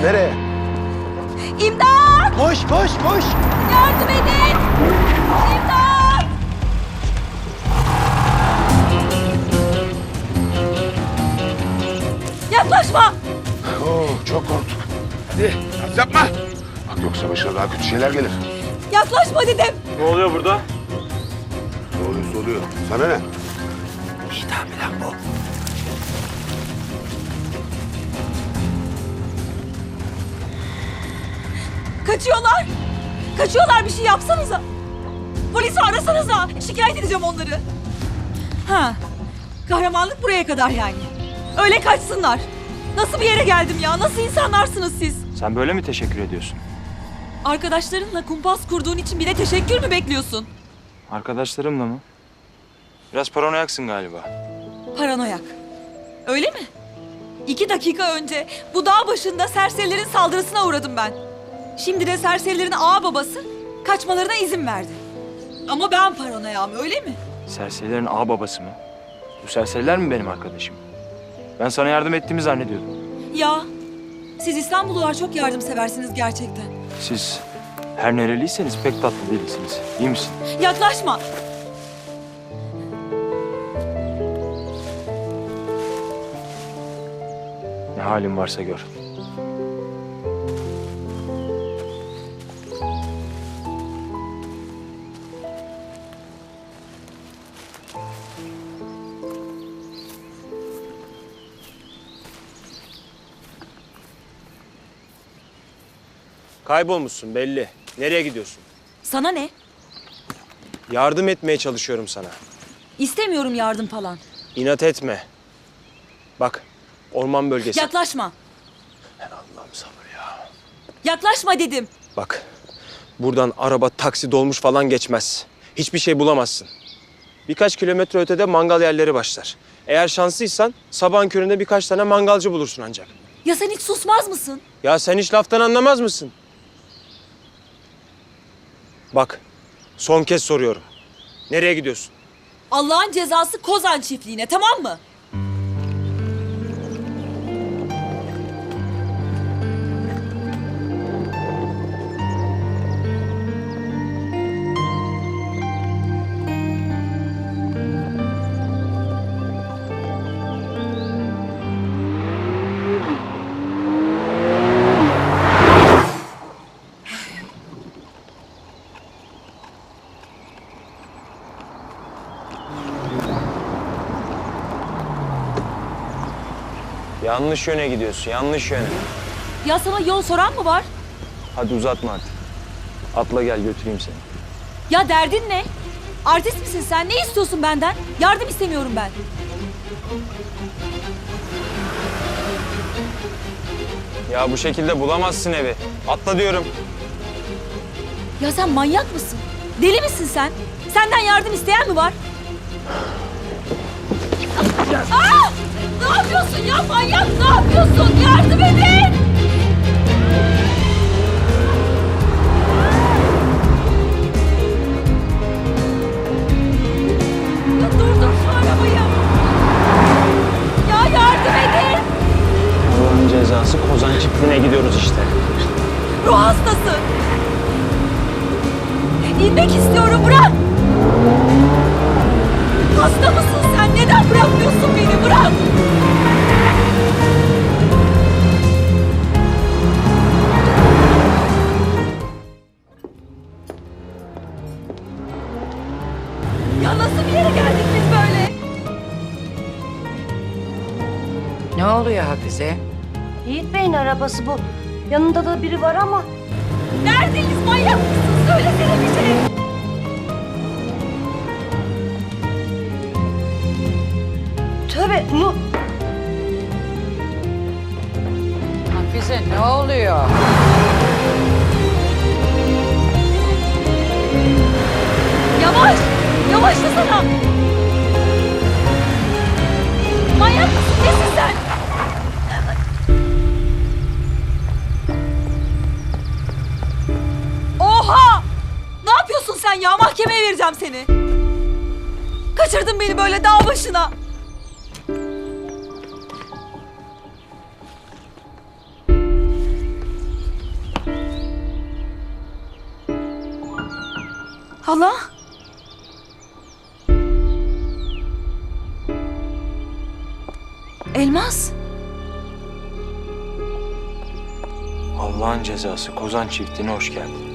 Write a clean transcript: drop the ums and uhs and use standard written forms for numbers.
nereye? İmdat! Koş koş koş. Yardım edin! İmdat! Yaklaşma! Oo, çok korktuk. Hadi naz yapma. Bak yoksa başına daha kötü şeyler gelir. Yaklaşma dedim. Ne oluyor burada? Ne oluyorsa oluyor. Sana ne? İdam lan bu. Kaçıyorlar. Kaçıyorlar, bir şey yapsanıza. Polisi arasanıza. Şikayet edeceğim onları. Ha. Kahramanlık buraya kadar yani. Öyle kaçsınlar. Nasıl bir yere geldim ya? Nasıl insanlarsınız siz? Sen böyle mi teşekkür ediyorsun? Arkadaşlarınla kumpas kurduğun için bile teşekkür mü bekliyorsun? Arkadaşlarımla mı? Biraz paranoyaksın galiba. Paranoyak. Öyle mi? 2 dakika önce bu dağ başında serserilerin saldırısına uğradım ben. Şimdi de serserilerin ağa babası kaçmalarına izin verdi. Ama ben paranoyam, öyle mi? Serserilerin ağababası mı? Bu serseriler mi benim arkadaşım? Ben sana yardım ettiğimi zannediyordum. Ya, siz İstanbullular çok yardımseversiniz gerçekten. Siz her nereliyseniz pek tatlı değilsiniz. İyi misin? Yaklaşma. Ne halin varsa gör. Kaybolmuşsun belli. Nereye gidiyorsun? Sana ne? Yardım etmeye çalışıyorum sana. İstemiyorum yardım falan. İnat etme. Bak, orman bölgesi. Yaklaşma. Allah'ım sabır ya. Yaklaşma dedim. Bak, buradan araba, taksi, dolmuş falan geçmez. Hiçbir şey bulamazsın. Birkaç kilometre ötede mangal yerleri başlar. Eğer şanslıysan sabahın köründe birkaç tane mangalcı bulursun ancak. Ya sen hiç susmaz mısın? Ya sen hiç laftan anlamaz mısın? Bak, son kez soruyorum. Nereye gidiyorsun? Allah'ın cezası Kozan çiftliğine, tamam mı? Yanlış yöne gidiyorsun, yanlış yöne. Ya sana yol soran mı var? Hadi uzatma artık. Atla gel götüreyim seni. Ya derdin ne? Artist misin sen? Ne istiyorsun benden? Yardım istemiyorum ben. Ya bu şekilde bulamazsın evi. Atla diyorum. Ya sen manyak mısın? Deli misin sen? Senden yardım isteyen mi var? Aa! Ne yapıyorsun ya manyak? Ne yapıyorsun? Yardım edin! Ya durdur şu arabayı. Ya yardım edin! Allah'ın cezası Kozan çiftliğine gidiyoruz işte. Ruh hastası. İnmek istiyorum, bırak. Hasta mısın sen? Neden bırakmıyorsun beni? Bırak. Ya nasıl bir yere geldik biz böyle? Ne oluyor Hafize? Yiğit Bey'in arabası bu. Yanında da biri var ama. Neredeyiz? Manyak mısın? Söylesene bir şey. Tövbe Nur. Hafize ne oluyor? Yavaş. Yavaşlasana. Manyak mısın? Nesin sen? Oha! Ne yapıyorsun sen ya? Mahkemeye vereceğim seni. Kaçırdın beni böyle dağ başına. Hala? Elmas? Allah'ın cezası Kozan çiftliğine hoş geldin.